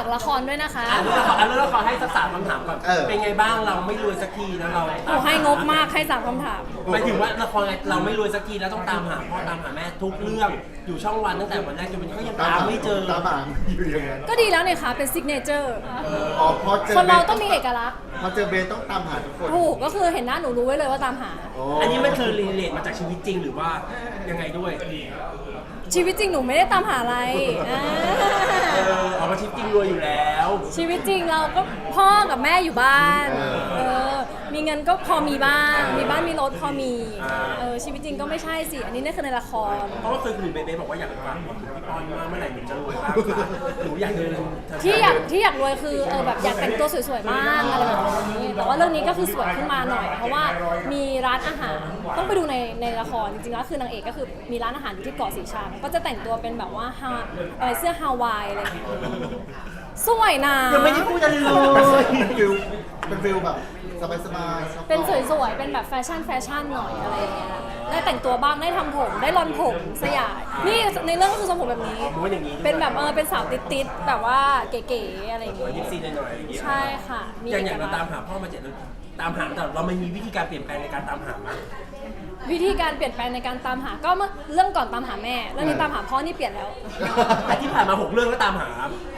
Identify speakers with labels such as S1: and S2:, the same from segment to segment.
S1: ละครด้วยนะคะ
S2: เรื่องละครให้สัก3 คำถามก่อนเป็นไงบ้างเราไม่รวยสักทีแล้วเรา
S1: โอ้ให้งบมากให้3 คำถาม
S2: หมายถึงว่าละครเราไม่รวยสักทีแล้วต้องตามหาพ่อตามหาแม่ทุกเรื่องอยู่ช่องวันตั้งแต่วันแรกจนวันนี้ก็ยังตามไม่เจอ
S3: ตามหาอยู่อย่างนั้น
S1: ก็ดีแล้วเนี่ยค่ะเป็นซิกเนเจอร์
S3: อ๋อพอเจอ
S1: คนเราต้องมีเอกลักษณ์
S3: พอเจอเบสต้องตามหาทุกคน
S1: ถูกก็คือเห็นหน้าหนูรู้ไว้เลยว่าตามหา
S2: อันนี้มันคือรีเลทมาจากชีวิตจริงหรือว่ายังไงด้วย
S1: ชีวิตจริงหนูไม่ได้ตามหาอะไรอ่า
S2: ออกมาชีวิตจริงรวยอยู่แล้ว
S1: ชีวิตจริงเราก็พ่อกับแม่อยู่บ้านมีเงินก็พอมีบ้างมีบ้านมีรถพอมีชีวิตจริงก็ไม่ใช่สิอันนี้นี่คือในละคร
S2: เพราะว่าเคยคุยเบสบอกว่าอยากฟังบอกถึงพี่ปอนว่าเมื่อไหร่หนูจะรวยบ้างคะหนูอยากเดิน
S1: ที่อยากรวยคือแบบอยากแต่งตัวสวยๆบ้างอะไรแบบนี้แต่ว่าเรื่องนี้ก็คือสวยขึ้นมาหน่อย เพราะว่ามีร้านอาหารต้องไปดูในละครจริงๆแล้วคือนางเอกก็คือมีร้านอาหารอยู่ที่เกาะสีชังก็จะแต่งตัวเป็นแบบว่าเสื้อฮาวายอะไรอย่างเงี้ยสวยนะ
S2: ยังไม่ได้พูดอะไรเลย
S3: เป็นฟิลแบบสบายๆ
S1: เป็นสวยๆเป็นแบบแฟชั่นหน่อยอะไรอย่างเงี้ยได้แต่งตัวบ้างได้ทำผมได้รอนผมสยายนี่ในเรื่องก็คือทรงผมแบบนี้
S2: ม้วนอย่างนี้
S1: เป็นแบบเป็นสาวติดๆแบบว่าเก๋ๆอะไรอย่างเงี้ย
S2: ยิปซีหน่อยๆอย่างเงี้ย
S1: ใช่ค่ะมี
S2: อย่างเรา
S1: เอกลั
S2: ตาก ม
S1: ษณ์
S2: หาพ่อมา7 เดือนตามหาแต่เราไม่มีวิธีการเปลี่ยนแปลงในการตามหามั้ย
S1: วิธีการเปลี่ยนแปลงในการตามหาก็เมื่อเรื่องก่อนตามหาแม่เรื่องนี้ตามหาพ่อนี่เปลี่ยนแล้ว
S2: แต่ที่ผ่านมา6 เรื่องก็ตามหา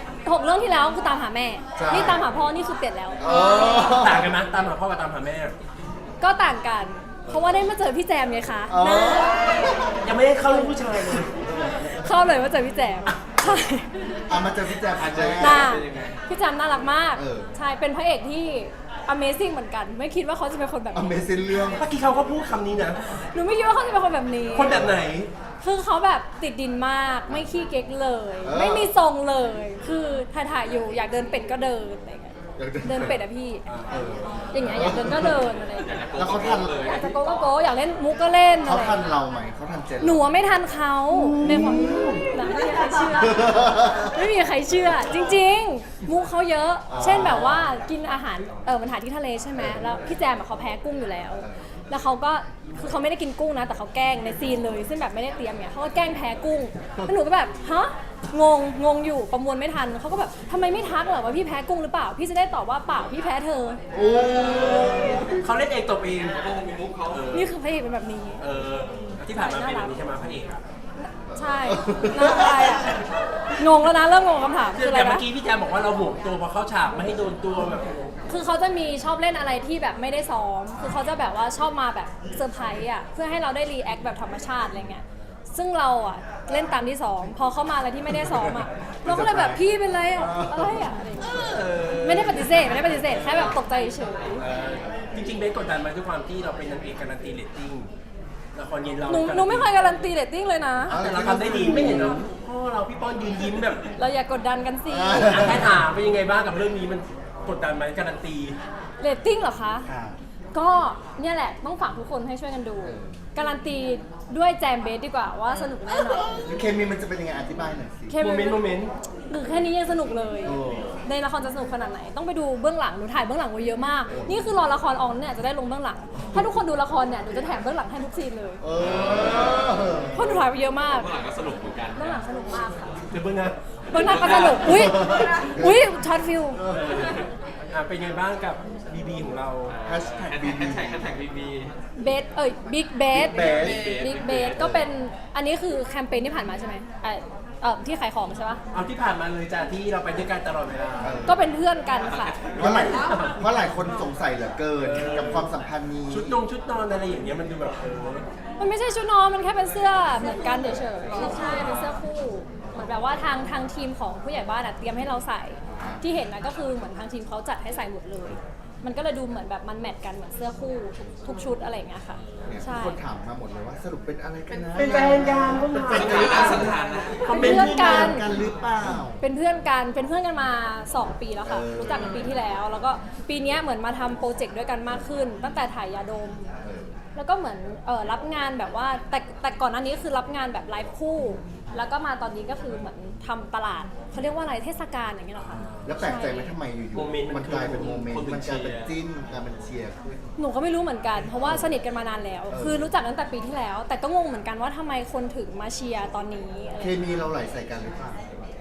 S1: 6 เรื่องที่แล้วคือตามหาแม่นี่ตามหาพ่อนี่คือเปลี่ยนแล้ว
S2: ต่างกันไหมตามหาพ่อกับตามหาแม่
S1: ก็ต่างกันเพราะว่าได้มาเจอพี่แจมไงคะ
S3: อ๋อ
S1: นะ
S2: ยังไม่ได้เข้าเรื่องผู้ชายเลย
S1: เข้าเลยมาเจอพี่แจมใช่
S3: มาเจอพี่แจ๊บอาจจะ
S1: น่าพี่แจมน่ารักมาก
S3: เออ
S1: ใช่เป็นพระเอกที่ Amazing เหมือนกัน ไม่คิดว่าเขาจะเป็นคนแบบ
S3: อเม
S1: นี้
S3: ซินเรื่อง
S2: เมื่อกี้เขาก็พูดคำนี้นะ
S1: หนูไม่คิดว่าเขาจะเป็นคนแบบนี้
S2: คนแบบไหน
S1: คือเขาแบบติดดินมากไม่ขี้เก๊กเลย
S3: เออ
S1: ไม่มีทรงเลย คือถ่ายๆอยู่อยากเดินเป็ดก็เดินอะไรเงี้ย
S3: อยากเดิน
S1: เดินเป็ดอะพี่
S3: เออ
S1: อย่างเงี้ยอยากเดินก็เดินอะไรเงี้ย
S3: แล้วเขาทัน
S1: อยากจะโก้ก็โก้อยากเล่นมุกก็เล่นอะ
S3: เขา
S1: ไร
S3: ทัน
S1: เงี้ย
S3: เราไหมเขาทันเจน
S1: หนูอะไม่ทันเขาในความนะไม่มีใครเชื่อ ไม่มีใครเชื่อ จริงๆ มุกเขาเยอะ เช่นแบบว่ากินอาหารมันหาที่ทะเลใช่ไหมแล้วพี่แจมอะเขาแพ้กุ้งอยู่แล้ว แล้วเขาก็คือเขาไม่ได้กินกุ้งนะแต่เขาแกล้งในซีนเลยซึ่งแบบไม่ได้เตรียมเนี่ยเขาก็แกล้งแพ้กุ้งแล้วหนูก็แบบฮะงงอยู่ประมวลไม่ทันเขาก็แบบทำไมไม่ทักเหรอว่าพี่แพ้กุ้งหรือเปล่าพี่จะได้ตอบว่าเปล่าพี่แพ้เธอ
S3: โอ้
S2: เขาเล่นเองตบเอง
S1: นี่คือพระเอกเป็นแบบนี้
S2: ที่ผ่านมาเป็นแบบนี้ใช่ไหมพระเอกอะ
S1: ใช่น่าอะไรอ่ะงงแล้วนะเริ่มงงคำถาม
S2: คื
S1: คือ ออะไร
S2: แต่เมื่
S1: นะ
S2: อกี้พี่แจมบอกว่าเราห่วงตัวพอเข้าฉากไม่ให้โดนตัวแบบ
S1: คือเขาจะมีชอบเล่นอะไรที่แบบไม่ได้ซ้อม คือเขาจะแบบว่าชอบมาแบบเซอร์ไพรส์อ่ะ เพื่อให้เราได้รีแอคแบบธรรมชาติอะไรเงี้ย ซึ่งเราอ่ะเล่นตามที่ซ้อม พอเขามาอะไรที่ไม่ได้ซ้อมอ่ะ เราก็เลยแบบพี่เป็นไรอ่ะ อะไรอ่ะอะไรเงี้ยไม่ได้ปฏิเสธแค่แบบตกใจเฉย
S2: จริงๆเบนกดดันมาด้วยความที่เราเป็นนางเอกการันตีเรตติ้งละครเย็นเรา
S1: หนูไม่เคยการันตีเรตติ้งเลยนะ
S2: แต่เราทำได้ดีไม่เห็นเหรอพ่อเราพี่ป้อนยืนยิ้มแบบ
S1: เราอย่ากดดันกันสิ
S2: แค่ถามเป็นยังไงบ้างกับเรื่องนี้มันกดดันไหมการันตี
S1: เรตติ้งเหรอคะ
S3: ค่ะ
S1: ก็เนี่ยแหละต้องฝากทุกคนให้ช่วยกันดู การันตีด้วยแจมเบสดีกว่าว่าสนุกแน่นอน
S3: เคมีมันจะเป็นยังไงอธิบายหน่อยสิ
S1: แค่
S2: โมเมนต์
S1: หรือแค่นี้ยังสนุกเลย
S3: โอ้
S1: ในละครจะสนุกขนาดไหน ต้องไปดูเบื้องหลัง หนูถ่ายเบื้องหลังไว้เยอะมาก นี่คือรอละครออนเนี่ยจะได้ลงเบื้องหลัง ถ้าทุกคนดูละครเนี่ยหนูจะแถมเบื้องหลังให้ทุกซีนเลย
S3: เออ
S1: เพราะหนูถ่ายไปเยอะมาก
S4: เมื่อหลังก็สนุกเหมือนกัน
S1: เบื้องหลังสนุกมากค่ะ
S2: เดี๋ยวเพิ่งนะ
S1: เบื้องหน้าก็สนุก อุ้ยช็อตฟิล
S2: เป็นไงบ้างกับบีบีของเรา
S3: แฮชแท็ก
S4: แฮ
S3: บี
S4: ช
S3: บี
S4: แท็กบีบี
S1: เบสบิ๊กเบส
S3: Best
S1: บิ๊กเบสก็เป็น อันนี้คือแคมเปญที่ผ่านมาใช่ไหมที่ขายของใช่ปะ
S2: เอาที่ผ่านมาเลยจ้ะที่เราไปด้วยกันตลอดเวลา
S1: ก็เป็นเพื่อนกันค่ะ
S3: เพราะหลายคนสงสัยเหลือเกินกับความสัมพันธ์นี้
S2: ชุดนอนอะไรอย่างเงี้ยมันดูแบบ
S1: มันไม่ใช่ชุดนอน มันแค่เป็นเสื้อเหมือนกันเฉยๆใช่เป็นเสื้อคู่ เหมือนแบบว่าทางทีมของผู้ใหญ่บ้านอะเตรียมให้เราใส่ ที่เห็นนะก็คือเหมือนทางทีมเขาจัดให้ใส่หมดเลย มันก็เลยดูเหมือนแบบมันแมทกันเหมือนเสื้อคู่ทุกชุดอะไรอย่างเงี้ยค่ะ
S3: เนี่ย
S1: ใช่
S3: คนถามมาหมดเลยว่าสรุปเป็นอะไรกันนะ
S2: เป็นแฟนกันพวกเรา
S3: เป็นแฟนกัน
S4: สถานะ
S2: คอมเม
S1: เป็น
S2: นต์
S1: เพื่อนกัน
S3: กันหรือเปล่า
S1: เป็นเพื่อนกันมา 2 ปีแล้วค่ะ รู้จักกันปีที่แล้ว แล้วก็ปีเนี้ยเหมือนมาทำโปรเจกต์ด้วยกันมากขึ้น ตั้งแต่ถ่ายยาดม แล้วก็เหมือนรับงานแบบว่าแต่ก่อนหน้านี้คือรับงานแบบไลฟ์คู่ แล้วก็มาตอนนี้ก็คือเหมือนทำตลาดเขาเรียกว่าอะไรเทศกาลอย่างเงี้ยเหรอคะ
S3: แล้วแปลกใจไหมทำไมอยู่ๆมันกลายเป็นโมเมนต์มันกลายเป็นจิ้นกลายเป็นเชียร์ขึ้น
S1: หนูก็ไม่รู้เหมือนกัน เพราะว่าสนิทกันมานานแล้ว คือรู้จักตั้งแต่ปีที่แล้ว แต่ก็งงเหมือนกันว่าทำไมคนถึงมาเชียร์ตอนนี้อะไร
S3: เคมีเราไหลใส่กันหรือเปล่า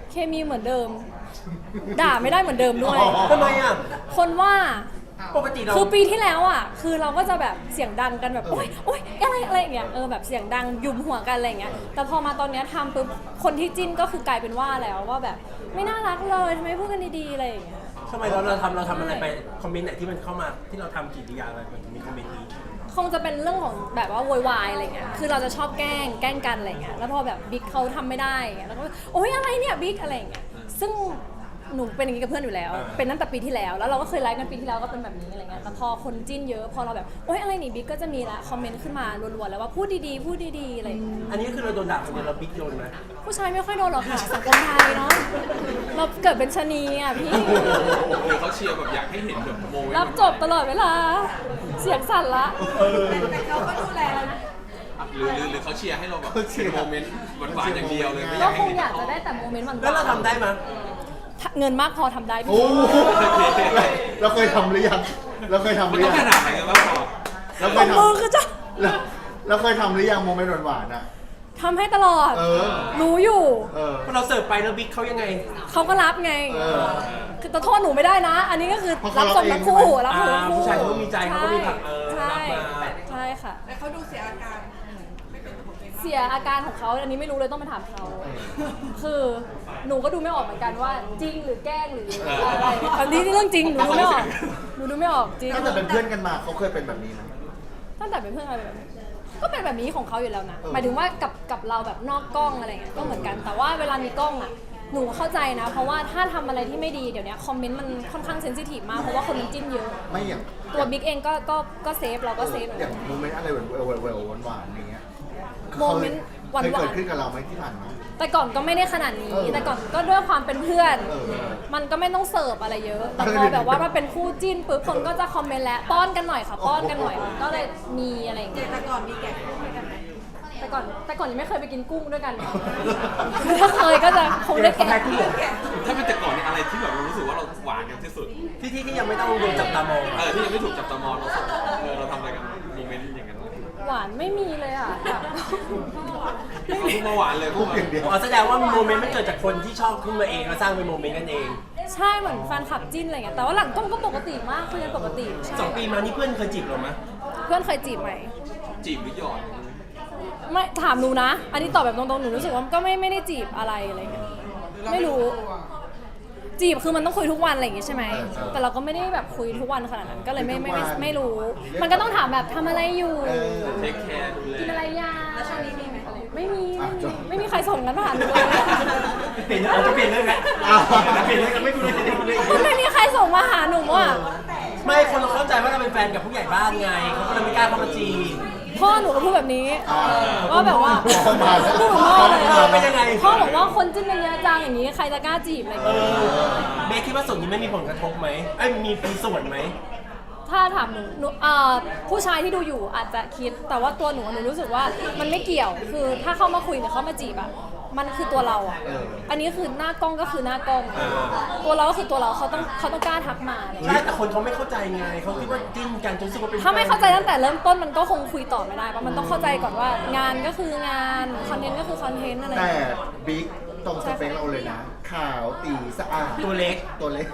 S1: เคมีเหมือนเดิม ด่าไม่ได้เหมือนเดิมด้วย
S2: ทำไมอ่ะ
S1: คนว่า
S2: ปกติเรา
S1: คือปีที่แล้วอ่ะคือเราก็จะแบบเสียงดังกันแบบโอ๊ยโอ๊ยอะไรอย่างเงี้ยแบบเสียงดังยุมหัวกันอะไรอย่างเงี้ยแต่พอมาตอนเนี้ยทำปุ๊บคนที่จิ้นก็คือกลายเป็นว่าแล้วว่าแบบไม่น่ารักเลยทำไมพูดกันดีๆอะไรอย่างเงี้ย
S2: ทำไมเราทำอะไรไปคอมเมนต์ไหนที่มันเข้ามาที่เราทำกิริยาอะไรมันมีคอมเมนต์นี้
S1: คงจะเป็นเรื่องของแบบว่าโวยวายอะไรเงี้ยคือเราจะชอบแกล้งกันอะไรเงี้ยแล้วพอแบบบิ๊กเขาทำไม่ได้เงี้ยแล้วก็โอ๊ยอะไรเนี่ยบิ๊กอะไรเงี้ยซึ่งหนูเป็นอย่างนี้กับเพื่อนอยู่แล้ว เป็นตั้งแต่ปีที่แล้วแล้วเราก็เคยไลฟ์กันปีที่แล้วก็เป็นแบบนี้อะไรเงี้ยแต่พอคนจิ้นเยอะพอเราแบบโอ๊ยอะไรนี่บิ๊กก็จะมีละคอมเมนต์ขึ้นมารัวๆแล้วว่าพูดดีๆพูดดีๆอะไรอย่างเงี้ย
S2: อันนี้คือเราโดนด่าคนเดียวเราบิ๊กโดนไหม
S1: ผู้ชายไม่ค่อยโดนหรอกค่ะสังคมไทยเนาะเราเกิดเป็นชะนีอ่ะพี่
S4: หรือเขาเชียร์แบบอยากให้เห็นแบบโมเมนต์
S1: รับจบตลอดเวลาเสียงสั่นละ
S5: แต่เขาก็ดูแลแล้วนะ
S4: หรือเขาเชียร์ให้เราแบบเป็นโมเมนต์หวานๆอย่างเดียวเลยไม่อ
S1: ก็
S4: ยาก
S1: ค
S4: ให้
S1: ง
S4: เห็น
S1: อยากจะได้แต่โมเมนต์หวานๆ
S2: แล้วเราทำได้ไหม
S1: เงินมากพอทำได้พี่
S3: โอ้เราเคยทำหรือยังเราเคยทำห
S4: มัน
S3: รือ
S4: ต้อง
S3: ยัง
S4: ขนาดไหนกันบ้างพอ
S3: เราเค
S1: ต
S3: ย
S1: บ
S3: ท
S1: มือคือจะ
S3: ำเราเคยทำหรือยังโมเมนต์หวานๆอ่ะ
S1: ทำให้ตลอด
S3: เออ
S1: รู้อยู่
S3: เออ
S2: พอเราเสิร์ฟไปแล้วบิ๊กเขายังไง
S1: เขาก็รับไง
S3: เออ
S1: คือแต่โทษหนูไม่ได้นะ อันนี้ก็คือ
S3: เพราะ
S1: รั
S3: เขา
S1: บส่งทั้งคู่
S3: รับ
S1: รับ
S3: เอง
S1: ทั้งคู่
S2: ผู้ชายเขาก็มีใจเขาก็มีผัก
S1: ใช่
S2: รับมา
S1: ใช่ค่ะ
S5: แต่เขาดูเสียอาการไม่เป็นตัวของตัวเอง
S1: เสียอาการของเขาอันนี้ไม่รู้เลยต้องมาถามเขา คือหนูก็ดูไม่ออกเหมือนกันว่าจริงหรือแกล้งหรืออะไรอันนี้เรื่องจริงหนูดูไม่ออกหนูดูไม่ออกจริง
S3: ตั้งแต่เป็นเพื่อนกันมาเขาเคยเป็นแบบนี้ไหม
S1: ตั้งแต่เป็นเพื่อนกันแบบนี้ก็เป็นแบบนี้ของเขาอยู่แล้วนะ
S3: เออ
S1: หมายถึงว่ากับเราแบบนอกกล้องอะไรเงี้ยก็เหมือนกันแต่ว่าเวลามีกล้องอ่ะหนูเข้าใจนะ เพราะว่าถ้าทำอะไรที่ไม่ดีเดี๋ยวนี้คอมเมนต์มันค่อนข้างเซนซิทีฟมากเพราะว่าคนมันจิ้นเยอะ
S3: ไม่อย่าง
S1: ตัวบิ๊กเองก็เซฟเราก็เซฟเหมือน
S3: อ
S1: กั
S3: ย่าน งโมเมนต์อะไรแหววๆหวานๆอย่างเงี้ย
S1: โมเมนต์หวานๆ
S3: เคยเกิดขึ้นกับเราไหมที่ผ่านมา
S1: แต่ก่อนก็ไม่ได้ขนาดนี้
S3: เออ
S1: แต่ก่อนก็ด้วยความเป็นเพื่อน
S3: เออ
S1: มันก็ไม่ต้องเสิร์ฟอะไรเยอะ แต่พอแบบว่ามาเป็นคู่จิ้นปุ๊บคนก็จะคอมเมนต์แล้วป้อนกันหน่อยค่ะป้อนกันหน่อยมันก็เลยมีอะไรอย่างเงี้ย
S5: แต่ก่อนมีแกะคู่ด้วยกันไหม
S1: แต่ก่อนยังไม่เคยไปกินกุ้งด้วยกัน ถ้าเคยก็จะคงได้
S2: เขาแพ้
S1: แกะ
S2: คู่
S4: ถ้าเป็นแต่ก่อนเนี่ยอะไรที่แบบเรารู้สึกว่าเราหวานกันที่สุด
S2: ที่ยังไม่ต้องโดนจับตามอง
S4: ที่ยังไม่ถูกจับตามองเราทำอะไรกันโมเมนต์อย่างนั้น
S1: หวานไม่มีเลยอ่ะแบบ
S4: เขาเพิ่งมาหวานเลย
S3: พูดอย่างเดียว
S2: อ๋อแสดงว่าโมเมนต์มันเกิดจากคนที่ชอบขึ้นมาเองแล้วสร้างเป็นโมเมนต์กันเอง
S1: ใช่เหมือนแฟนคลับจิ้นอะไรเงี้ยแต่ว่าหลังกล้องก็ปกติมากคุยกันปกติใช่
S2: 2 ปีมานี่เพื่อนเคยจีบเราไหม
S1: เพื่อนเคยจีบไหม
S4: จีบหรือหยอด
S1: ไม่ถามหนูนะ อันนี้ตอบแบบตรงๆหนูรู้สึกว่าก็ไม่ได้จีบอะไรอะไรเงี้ยไม่รู้ จีบคือมันต้องคุยทุกวันอะไรอย่างงี้ใช่ไหม
S3: ใช่
S1: แต่เราก็ไม่ได้แบบคุยทุกวันขนาดนั้น ก็เลยไม่รู้ มันก็ต้องถามแบบทำอะไรอยู่
S4: เทคแคร์ดูแล
S1: กินอะไรยา
S5: แล้วช่วงนี้มีไหม
S1: ไม่มี
S3: อ่ะจบ
S1: ไม่มีใครส่งกันมาหาหนูเลย
S2: เปลี่ยนเราจะเปลี่ยนเรื่องแล้ว
S3: อ้าว
S2: เปลี่ยนเรื่องกันไม่คุยเลย
S1: มันไม่มีใครส่งมาหาหนูอ่ะ
S2: ไม่คนเราเข้าใจว่าเราเป็นแฟนกับผู้ใหญ่บ้านไงเขาก็เลยไม่กล้าเข้ามาจีบ
S1: พ่อหนูก็พูดแบบนี้ ว่าแบบว่า
S3: พ่อมาแล้ว
S1: พูดเหมือนพ่อเลย
S2: เป็นยังไง
S1: พ่อบอกว่าคนจิ้นกันเยอะจังอย่างนี้ใครจะกล้าจีบอะไรอย่าง
S2: เอ
S1: เงี้ย
S2: อเบคคิดว่าส่วนนี้ไม่มีผลกระทบไหมไอ้ยมีส่วนไหม
S1: ถ้าถามหนูผู้ชายที่ดูอยู่อาจจะคิด แต่ว่าตัวหนูรู้สึกว่ามันไม่เกี่ยว คือถ้าเข้ามาคุยหรือเข้ามาจีบอะมันคือตัวเราอะ อันนี้คือหน้ากล้องก็คือหน้ากล้อง ตัวเราก็คือตัวเราเขาต้องกล้าทักมาอะไรอย่าง
S2: ใช่
S1: เงี้ย
S2: แต่คนเขาไม่เข้าใจไงเขาคิดว่าจิ้นกันจนรู้สึกว่าเป็น
S1: ถ้าไม่เข้าใจตั้งแต่เริ่มต้นมันก็คงคุยต่อไม่ได้เพราะมันต้องเข้าใจก่อนว่างานก็คืองานคอนเทนต์ก็คือคอนเทนต์อะไรอย่าง
S3: แต่
S1: เงี้ย
S3: บิ๊กตรงสเปคเราเลยนะ ขาวตีสะอาด
S2: ตัวเล็ก
S3: ตัวเล็ก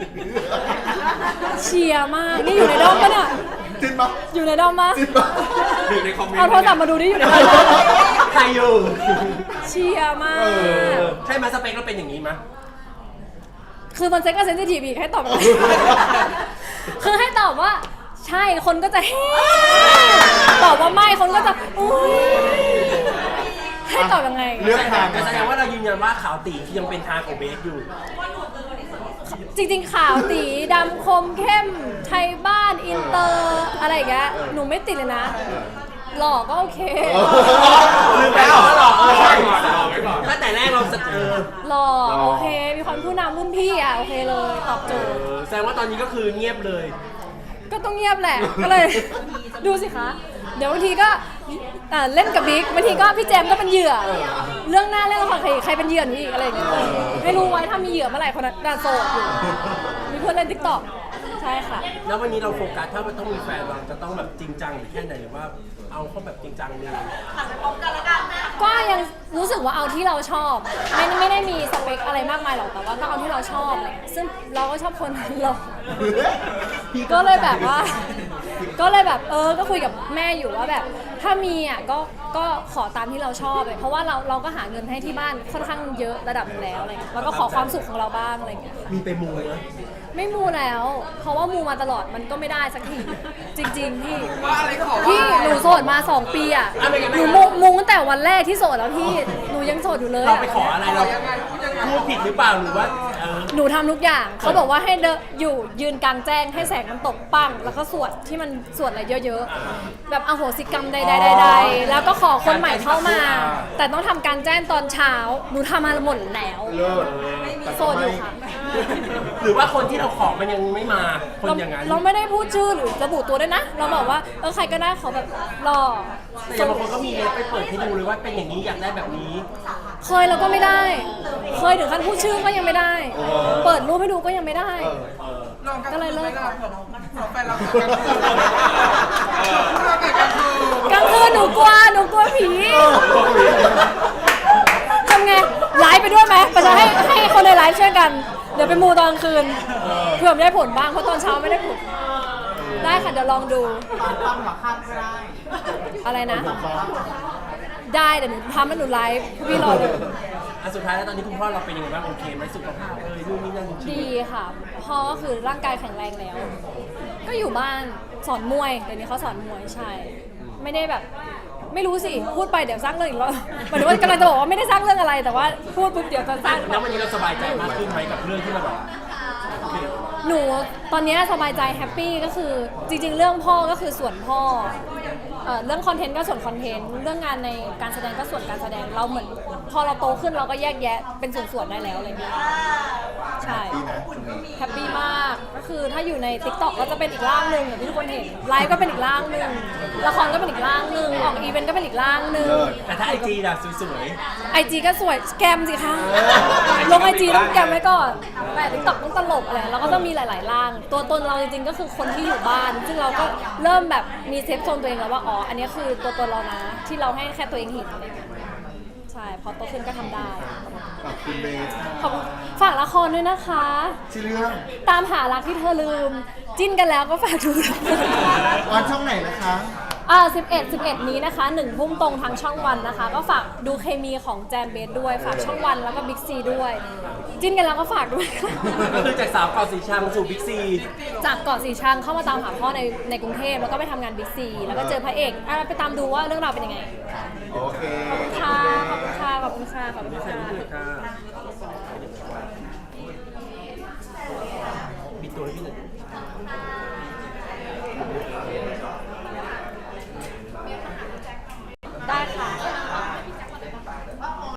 S1: เชียร์มาก นี่อยู่ในด้อมปะเนี่ย
S3: จิ้นปะ
S1: อยู่ในด้อมปะ
S3: จิ้นปะ
S4: อยู่ในคอมเมนต์
S1: เอาโทรศัพท์มาดูดิอยู่ในด้อมปะ
S2: ใครอยู่
S1: เชียร์มาก
S2: ใช่ไหมสเปคเราเป็นอย่างนี้ไหม
S1: คือมันเซ็กกับเซนซิทีฟอีกให้ตอบ คือให้ตอบว่า ใช่คนก็จะเฮ้ตอบว่าไม่คนก็จะอุ้ยให้ตอบยังไง
S3: เลือกทาง
S2: แต่แสดงว่าเรายืนยันว่าขาวตียังเป็นทางของเบสอยู่
S1: จริงๆขาวตีดำคมเข้มไทยบ้านอินเตอร์อะไรอย่างเงี้ยหนูไม่ติดเลยนะ หล่อก็โอเค
S2: ลืมไปแล้วว่าหลอก
S4: รอไว้ก่อนรอไว้ก่อน
S2: ตั้งแต่แรกเรา
S1: หล่อโอเค มีความผู้นำรุ่นพี่อ่ะโอเคเลยตอบโจทย์
S2: แสดงว่าตอนนี้ก็คือเงียบเลย
S1: ก็ต้องเงียบแหละ ก็เลย ดูสิคะ เดี๋ยวบางทีก็เล่นกับบิ๊กบางทีก็พี่แจมก็เป็นเหยื่อ เรื่องหน้าเรื่องละครใครเป็นเหยื่อหนูอีกอะไรอย่างเงี้ยให้รู้ไว้ถ้ามีเหยื่อเมื่อไหร่คนนั้นน่าโสดอยู่มีเพื่อนเล่นทิกตอกใช่ช่ค่ะ
S2: แล้ววันนี้เราโฟกัสถ้ามันต้องมีแฟนเราจะต้องแบบจริงจังหรือแค่ไหนหรือว่าเอาเขาแบบจริงจังเลย
S1: ก็ยังรู้สึกว่าเอาที่เราชอบ ไม่ได้มีสเปคอะไรมากมายหรอกแต่ว่าก็เอาที่เราชอบอะไรเลยซึ่งเราก็ชอบคนหล่อก็เลยแบบว่า ก็เลยแบบก็คุยกับแม่อยู่ว่าแบบถ้ามีอ่ะก็ขอตามที่เราชอบเลยเพราะว่าเราก็หาเงินให้ที่บ้านค่อนข้างเยอะระดับหนึงแล้วอะไรเงี้ยแล้วก็ขอความสุขของเราบ้างอะไรเงี้ยค่ะ
S2: มีไปมูไหม
S1: ไม่มูแล้ว เพราะว่ามูมาตลอดมันก็ไม่ได้สักทีจริง ๆ พี่
S4: ว่าอะไรขอ
S1: พี่หนูโสดมา 2 ปีอ่ะหนูมูตั้งแต่วันแรกที่โสดแล้วพี่หนูยังโสดอยู่เลย
S2: เรา
S1: อะ
S2: ไปขออะไรเราพูดผิดหรือเปล่าหรือว่า
S1: หนูทำทุกอย่างเขาบอกว่าให้เดินอยู่ยืนกลางแจ้งให้แสงมันตกปังแล้วก็สวดที่มันสวดอะไรเยอะๆแบบอโหสิกรรมใดๆๆแล้วก็ขอคนใหม่เข้ามา แต่ต้องทำการแจ้งตอนเช้าหนูทำมาหมดแล้ว
S3: เลิศ
S1: โสดอยู่ค่ะ
S2: หรือว่าคนที่เราขอมันยังไม่มาคนอย่างนั้น
S1: เราไม่ได้พูดชื่อหรือระบุตัวด้วยนะ เราบอกว่าใครก็ได้ขอแบบหล่อ
S2: แต่บางคนก็มีเล็บไปเปิดให้ดูเลยว่าเป็นอย่างนี้อยากได้แบบนี้
S1: เคยเราก็ไม่ได้ เคยถึงขั้นพูดชื่อก็ยังไม่ได้ เปิดรูปให้ดูก็ยังไม่ได้ ก็เลยเลิก
S4: แฟนเรากลางคืนเราแต่กลางคืน
S1: กลางคืนหนูกลัวผีทำไงไลฟ์ไปด้วยไหมไปจะให้คนในไลฟ์ช่วยกัน เดี๋ยวไปมูตอนกลางคืนเผื่อไม่ได้ผลบ้างเพราะตอนเช้าไม่ได้ผลได้ค่ะเดี๋ยวลองดูอะไรนะ ได้เดี๋ยวหนูทำแล้วหนูไลฟ์พี่รอเลย
S2: สุดท้ายแล้วตอนนี้คุณพ่อเราเป็นยังไงบ้างโอเคไหมสุขภาพนู่นนี่นั่นจริง
S1: ดีค่ะพ่อก็คือร่างกายแข็งแรงแล้ว ก็อยู่บ้านสอนมวยเดี๋ยวนี้เขาสอนมวยใช่ ไม่ได้แบบไม่รู้สิพูดไปเดี๋ยวสร้างเรื่องอีกแล้วหมายถึงว่ากำลังจะบอกว่าไม่ได้สร้างเรื่องอะไรแต่ว่าพูดปุ๊บเดี๋ยวจะสร้าง
S2: แล้ววันนี้เราสบายใจมากขึ้นไหมกับเรื่องที่มันแบบโอเค
S1: หนูตอนนี้สบายใจแฮปปี้ก็คือจริงๆ เรื่องพ่อก็คือส่วนพ่อเรื่องคอนเทนต์ก็ส่วนคอนเทนต์เรื่องงานในการแสดงก็ส่วนการแสดงเราเหมือนพอเราโตขึ้นเราก็แยกแยะเป็นส่วนๆได้แล้วอะไรเงี้ยใช่
S3: ดีนะ
S1: แฮปปี้มากก็คือถ้าอยู่ใน TikTok ก็จะเป็นอีกร่างหนึ่งอย่างที่ทุกคนเห็นไลฟ์ก็เป็นอีกร่างหนึ่งละครก็เป็นอีกร่างหนึ่งออกอีเวนต์ก็เป็นอีกร่างหนึ่ง
S2: แต่ถ้าไอจีล่ะสวย
S1: IG ก็สวยแกมสิคะลง IG ต้องแกมไว้ก่อนแต่ TikTok ต้องตลกอะไรเราก็ต้องมีหลายๆร่างตัวตนเราจริงๆก็คือคนที่อยู่บ้าน ซึ่งเราก็เริ่มแบบมีเซฟโซนตัวเองแล้วว่าอ๋ออันนี้คือตัวตนเรานะที่เราให้แค่ตัวเองเห็นอะไรเงี้ยใช่พอโตขึ้นก็ทำได้
S3: ขอบคุณเบส
S1: ขอบคุณฝากละครด้วยนะคะ
S3: ชื่อเรื่อง
S1: ตามหารักที่เธอลืม จิ้นกันแล้วก็ฝากดูด้วย
S3: ออนช่องไหนนะคะ
S1: 11 นี้นะคะ1 ทุ่มตรงทางช่องวันนะคะ ก็ฝากดูเคมีของแจมเบสด้วย ฝากช่องวันแล้วก็บิ๊กซีด้วย จิ้นกันแล้วก็ฝากด้วยค่ะ
S2: ๆก็คือจากสาวเกาะสีชังสู่บิ๊กซี
S1: จากเกาะสีชังเข้ามาตามหาพ่อในกรุงเทพแล้วก็ไปทำงานบิ๊กซีแล้วก็เจอพระเอกไปตามดูว่าเรื่องราวเป็นยังไง
S3: โอเค
S1: ขอบคุณค่ะ ขอบคุณค่ะ ขอบคุณค่ะ ขอบคุณค่ะ
S2: ปิดตัวให้พี่หน่อย